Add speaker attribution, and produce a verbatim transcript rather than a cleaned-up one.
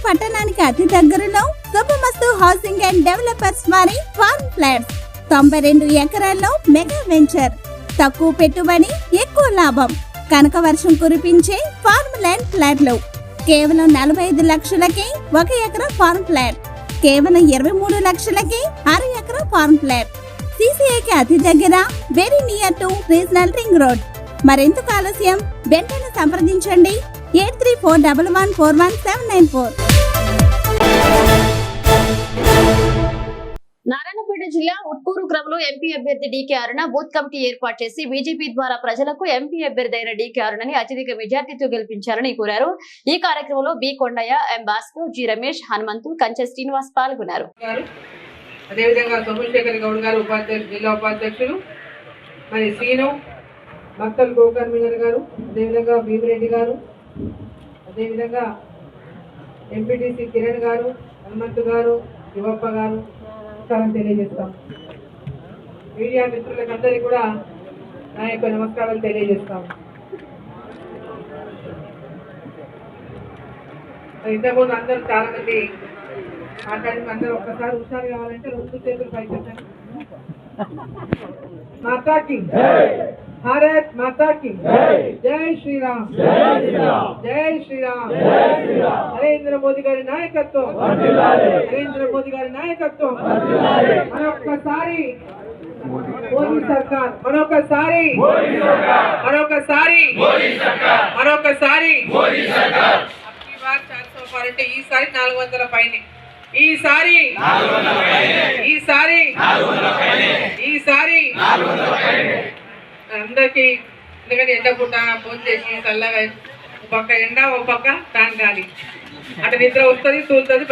Speaker 1: పట్టణానికి అతి దగ్గరలో శుభమస్తు హౌసింగ్ అండ్ డెవలపర్స్ వారి ఫార్మ్ ఫ్లాట్స్ తొంభై రెండు ఎకరాల్లో మెగా వెంచర్. తక్కువ పెట్టుబడి ఎక్కువ లాభం. కనక వర్షం కురిపించే ఫార్మ్ ల్యాండ్ ఫ్లాట్లు కేవలం నలభై ఐదు లక్షలకే ఒక ఎకరా ఫార్మ్ ఫ్లాట్, కేవలం ఇరవై మూడు లక్షలకే అర ఎకరా ఫార్మ్ ఫ్లాట్. సిసిఐకి అతి దగ్గర, very near to regional ring road. మరెందుకు ఆలస్యం? వెంటనే సంప్రదించండి eight three four double one four one seven nine four.
Speaker 2: Narayanpet జిల్లా ఉట్కూరు గ్రామంలో ఎంపీ అభ్యర్థి డీకే అరుణ బూత్ కమిటీ ఏర్పాటు చేసి బీజేపీ ద్వారా ప్రజలకు ఎంపీ అభ్యర్థి అయిన డీకే అరుణని అత్యధిక మెజార్టీతో గెలిపించాలని కోరారు. ఈ కార్యక్రమంలో B Kondaiah, M Bhaskar, G Ramesh, Hanumanthu, Kanche Srinivas పాల్గొన్నారు.
Speaker 3: అదేవిధంగా సోమశేఖర్ గౌడ్ గారు ఉపాధ్యక్షులు, జిల్లా ఉపాధ్యక్షులు, మరి సీను మక్కల్ గోకర్మినర్ గారు, అదేవిధంగా భీమిరెడ్డి గారు, అదేవిధంగా ఎంపీటీసీ కిరణ్ గారు, హనుమంతు గారు, యువప్ప గారు తెలియజేస్తాం. మీడియా మిత్రులకు అందరికీ కూడా నా యొక్క నమస్కారాలు తెలియజేస్తాం. ఇంతకుముందు అందరూ చాలా మంది మాట్లాడి అందరూ ఒక్కసారి హుషారు కావాలంటే రెండు చేతులు పైకెత్తండి. మాతాకి భారత్ మాతాకి జై శ్రీరామ్, జై శ్రీరామ్. నరేంద్ర మోదీ గారి నాయకత్వం, నరేంద్ర మోదీ గారి నాయకత్వం. మరొక్కసారి మోదీ సర్కార్, మరొకసారి మరొకసారి మరొకసారి అంటే ఈసారి నాలుగు వందల పైన, ఈసారి ఈసారి ఈసారి అందరికి. ఎందుకంటే ఎండ పూట ఫోన్ చేసి చల్లగా, ఒక పక్క ఎండ ఒక పక్క ఫ్యాన్ గాలి, అటు నిద్ర వస్తుంది తూలుతుంది.